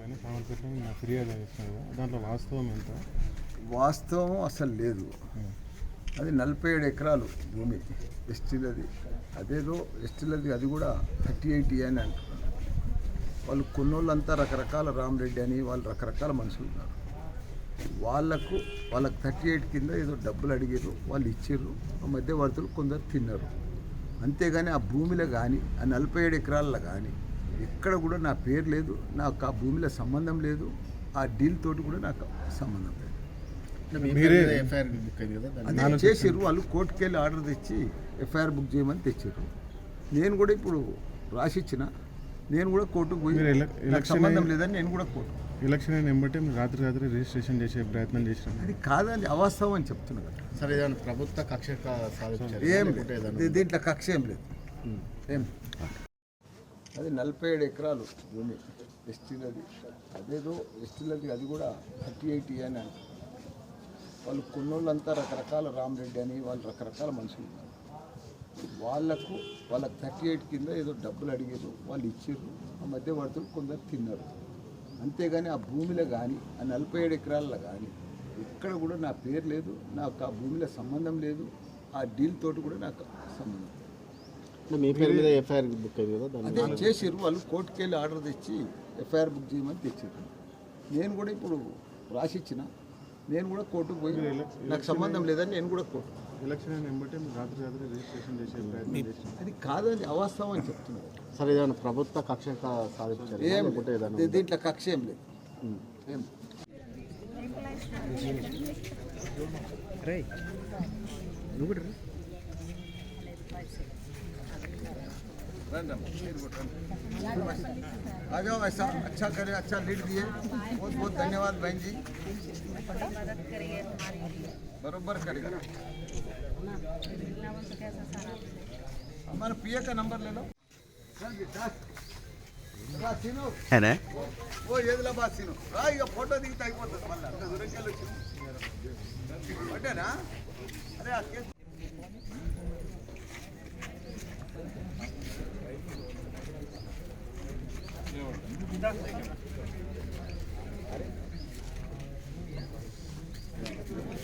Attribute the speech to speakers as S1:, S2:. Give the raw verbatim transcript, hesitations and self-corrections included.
S1: కానీ సామర్పేటలో నా ఫిర్యాదు చేస్తున్నారు కదా, దాంట్లో వాస్తవం ఎంత?
S2: వాస్తవం అసలు లేదు. అది నలభై ఏడు ఎకరాలు భూమి ఎస్టీలది. అదేదో ఎస్టీలది, అది కూడా థర్టీ ఎయిట్ అని అంటున్నారు. వాళ్ళు కొన్నోళ్ళంతా రకరకాల రామరెడ్డి అని వాళ్ళు రకరకాల మనుషులు ఉన్నారు. వాళ్ళకు వాళ్ళకి థర్టీ ఎయిట్ కింద ఏదో డబ్బులు అడిగారు, వాళ్ళు ఇచ్చారు. ఆ మధ్యవర్తులు కొందరు తిన్నారు. అంతేగాని ఆ భూమిలో కానీ ఆ నలభై ఏడు ఎకరాల్లో కానీ ఎక్కడ కూడా నా పేరు లేదు, నాకు ఆ భూమిలో సంబంధం లేదు, ఆ డీల్ తోటి కూడా నాకు సంబంధం లేదు. అదే చేసారు వాళ్ళు, కోర్టుకు వెళ్ళి ఆర్డర్ తెచ్చి ఎఫ్ఐఆర్ బుక్ చేయమని తెచ్చారు. నేను కూడా ఇప్పుడు రాసిచ్చిన, నేను కూడా కోర్టుకు పోయి నాకు సంబంధం లేదని నేను కూడా కోర్టు
S1: ఎలక్షన్ అయిన వెంబటే మీరు రాత్రి రాత్రి రిజిస్ట్రేషన్ చేసే ప్రయత్నం చేసినాం.
S2: అది కాదని అవాస్తవం అని చెప్తున్నా కదా.
S3: సరే, ప్రభుత్వ కక్ష
S2: ఏం లేదు, దీంట్లో కక్ష ఏం లేదు. ఏం అది నలభై ఏడు ఎకరాలు భూమి ఎస్టీలది. అదేదో ఎస్టీలది, అది కూడా థర్టీ ఎయిట్ అని అంటారు. వాళ్ళు కొన్నోళ్ళంతా రకరకాల రామరెడ్డి అని వాళ్ళు రకరకాల మనుషులు ఉన్నారు. వాళ్ళకు వాళ్ళకి థర్టీ ఎయిట్ కింద ఏదో డబ్బులు అడిగారు, వాళ్ళు ఇచ్చారు. ఆ మధ్యవర్తులు కొందరు తిన్నారు. అంతేగాని ఆ భూమిలో కానీ ఆ నలభై ఏడు ఎకరాల్లో కానీ ఎక్కడ కూడా నా పేరు లేదు, నాకు ఆ భూమిలో సంబంధం లేదు, ఆ డీల్ తోటి కూడా నాకు సంబంధం లేదు.
S3: మీ పేరు మీద ఎఫ్ఐఆర్ బుక్ అయింది కదా,
S2: అదే చేసారు వాళ్ళు, కోర్టుకు వెళ్ళి ఆర్డర్ తెచ్చి ఎఫ్ఐఆర్ బుక్ చేయమని తెచ్చారు. నేను కూడా ఇప్పుడు రాసిచ్చిన, నేను కూడా కోర్టుకు పోయి నాకు సంబంధం లేదని నేను కూడా కోర్టు
S1: ఎలక్షన్ అయిన వెంబటే మీరు రాత్రి రాత్రి రిజిస్ట్రేషన్ చేసే ప్రయత్నం చేసినాం.
S2: అది కాదని అవాస్తవం అని చెప్తున్నారు.
S3: సరే, ఏదైనా ప్రభుత్వ కక్ష సాధించారు?
S2: ఏం దీంట్లో కక్ష ఏం లేదు. ఏం आ जाओ, ऐसा अच्छा करे, अच्छा लीड दिए, बहुत बहुत धन्यवाद बहन जी, बरोबर करेगा। हमारा पिए का नंबर ले लो
S4: है ना,
S2: वो हैदराबाद सीनो इक फोटो దిగితే అయిపోతుంది. మళ్ళీ అంత దూరంకి వెళ్ళొచ్చు అంటేనా? అరే ఆ కేసు Gracias.